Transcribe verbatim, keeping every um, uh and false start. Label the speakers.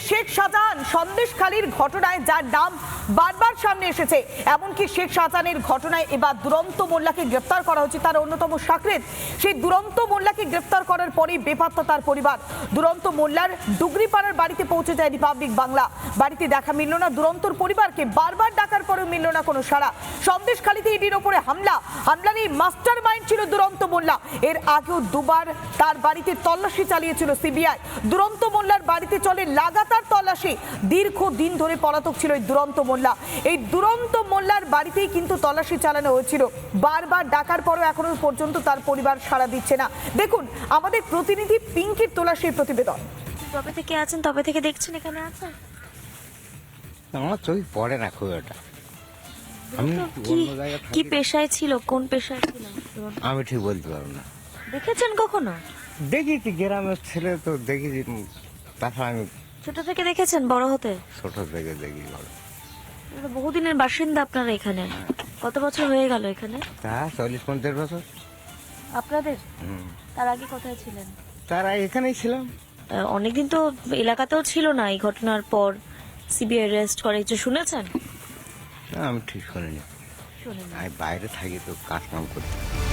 Speaker 1: শেখ শাহজাহান সন্দেশখালীর ঘটনায় যার নাম বারবার সামনে এসেছে, এমনকি শেখ শাহজাহানের ঘটনায় এবার দুরন্ত মোল্লাকে গ্রেফতার করা হচ্ছে, তার অন্যতম সাকরেদ। সেই দুরন্ত মোল্লাকে গ্রেফতার করার পরেই বেপাত্তা তার পরিবার। দুরন্ত মোল্লার ডুগরিপাড়ার বাড়িতে পৌঁছে যায় রিপাবলিক বাংলা। বাড়িতে দেখা মিলল না দুরন্তর পরিবারকে, বারবার ডাকার পরেও মিলল না কোনো সাড়া। সন্দেশখালীতে ইডির ওপরে হামলা, হামলার এই মাস্টার মাইন্ড ছিল দুরন্ত মোল্লা। এর আগেও দুবার তার বাড়িতে তল্লাশি চালিয়েছিল সিবিআই। দুরন্ত মোল্লার বাড়িতে চলে লাগাতার তল্লাশি। দীর্ঘ দিন ধরে পলাতক ছিল এই দুরন্ত মোল্লা। এই দুরন্ত মোল্লার বাড়িতেই কিন্তু তল্লাশি চালানো হয়েছিল। বারবার ডাকার পরও এখনো পর্যন্ত তার পরিবার সাড়া দিচ্ছে না। দেখুন আমাদের প্রতিনিধি পিঙ্কির তোলা সেই প্রতিবেদন।
Speaker 2: তবে থেকে আছেন, তবে থেকে দেখছেন এখানে আছেন।
Speaker 3: আমার চোখ পড়ে না খুব এটা। আমি
Speaker 2: কি কি পেশায় ছিল, কোন পেশায় ছিল
Speaker 3: আমি ঠিক বলতে পারবো না।
Speaker 2: দেখেছেন কখনো?
Speaker 3: দেখেছি গ্রামের ছেলে তো দেখেছি, তাছাড়া আমি
Speaker 2: ছোট থেকে দেখেছেন বড় হতে?
Speaker 3: ছোট থেকে দেখি বড়।
Speaker 2: এটা বহুদিনের বাসিন্দা আপনারা এখানে। কত বছর হয়ে গেল এখানে?
Speaker 3: তা চল্লিশ পঞ্চাশ বছর।
Speaker 2: আপনাদের?
Speaker 3: হুম।
Speaker 2: তার আগে কোথায় ছিলেন?
Speaker 3: তারা এখানেই ছিলাম।
Speaker 2: আহ, অনেকদিন তো এলাকাতেও ছিল না এই ঘটনার পর সিবিআই অ্যারেস্ট করে, কিছু শুনেছেন?
Speaker 3: না, আমি ঠিক শুনিনি।
Speaker 2: শুনেন।
Speaker 3: আমি বাইরে থাকি তো কাজ কাম করতে।